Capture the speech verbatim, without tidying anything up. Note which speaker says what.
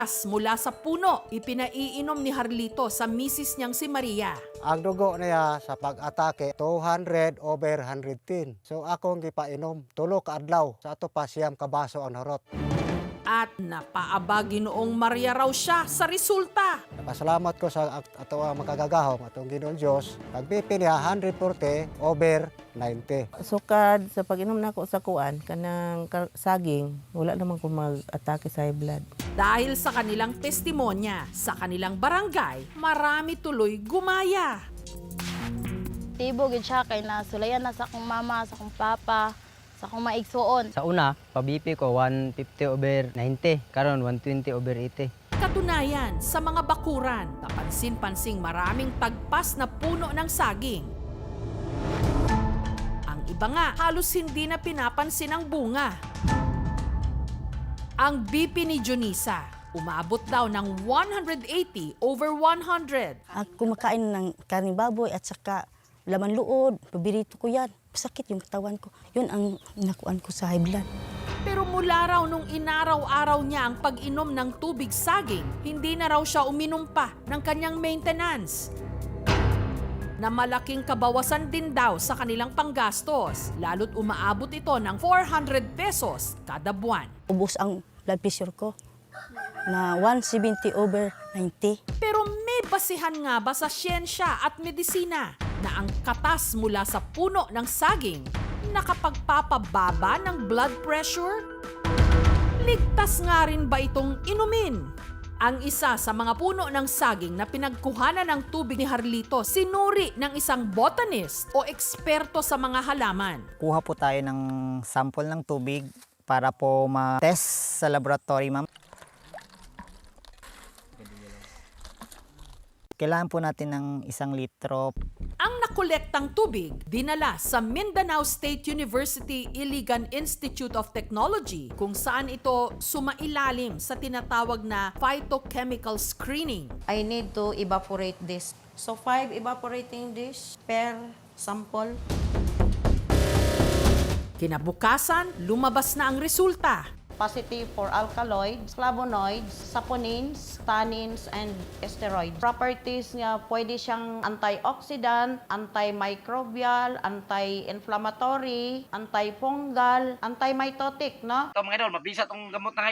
Speaker 1: As mula sa puno, ipinaiinom ni Harlito sa misis niyang si Maria.
Speaker 2: Ang dugo niya sa pag-atake, two hundred over one hundred ten. So akong gipainom, tulo ka adlaw. Sa ato pa siyam kabaso ang harot.
Speaker 1: At napaabagi noong Maria raw siya sa resulta.
Speaker 2: Napasalamat ko sa at- ato ang makagagahom, atong Ginoong Diyos. Pag-B P niya, one forty over ninety.
Speaker 3: Sukad sa pag-inom nako sa kuan kanang ka- saging, wala naman ko mag-atake sa high blood.
Speaker 1: Dahil sa kanilang testimonya, sa kanilang barangay, marami tuloy gumaya.
Speaker 4: Tibo gid siya kay nasulayan na sa akong mama, sa akong papa, sa akong maigsuon.
Speaker 5: Sa una, pa-B P ko one fifty over ninety, karon one twenty over eighty.
Speaker 1: Katunayan, sa mga bakuran, kapansin-pansing maraming tagpas na puno ng saging. Ang iba nga, halos hindi na pinapansin ang bunga. Ang B P ni Junisa, umabot daw ng one eighty over one hundred.
Speaker 3: Ako kumakain ng karning baboy at saka laman luod, paborito ko yan. Sakit yung katawan ko. Yun ang nakuan ko sa high blood.
Speaker 1: Pero mula raw nung inaraw-araw niya ang pag-inom ng tubig saging, hindi na raw siya uminom pa ng kanyang maintenance. Na malaking kabawasan din daw sa kanilang panggastos, lalo't umaabot ito ng four hundred pesos kada buwan.
Speaker 3: Ubos ang blood pressure ko na one seventy over ninety.
Speaker 1: Pero may basihan nga ba sa siyensya at medisina na ang katas mula sa puno ng saging nakapagpapababa ng blood pressure? Ligtas nga rin ba itong inumin? Ang isa sa mga puno ng saging na pinagkuhanan ng tubig ni Harlito, sinuri ng isang botanist o eksperto sa mga halaman.
Speaker 6: Kuha po tayo ng sample ng tubig para po ma-test sa laboratory, ma'am. Kailangan po natin ng isang litro.
Speaker 1: Ang nakolektang tubig, dinala sa Mindanao State University Iligan Institute of Technology kung saan ito sumailalim sa tinatawag na phytochemical screening.
Speaker 7: I need to evaporate this. So five evaporating dish per sample.
Speaker 1: Kinabukasan, lumabas na ang resulta.
Speaker 7: Positive for alkaloids, flavonoids, saponins, tannins, and steroids. Properties niya, pwede siyang antioxidant, antimicrobial, anti-inflammatory, antifungal, antimitotic, no?
Speaker 8: Ito mga idol, mabisa tong gamot na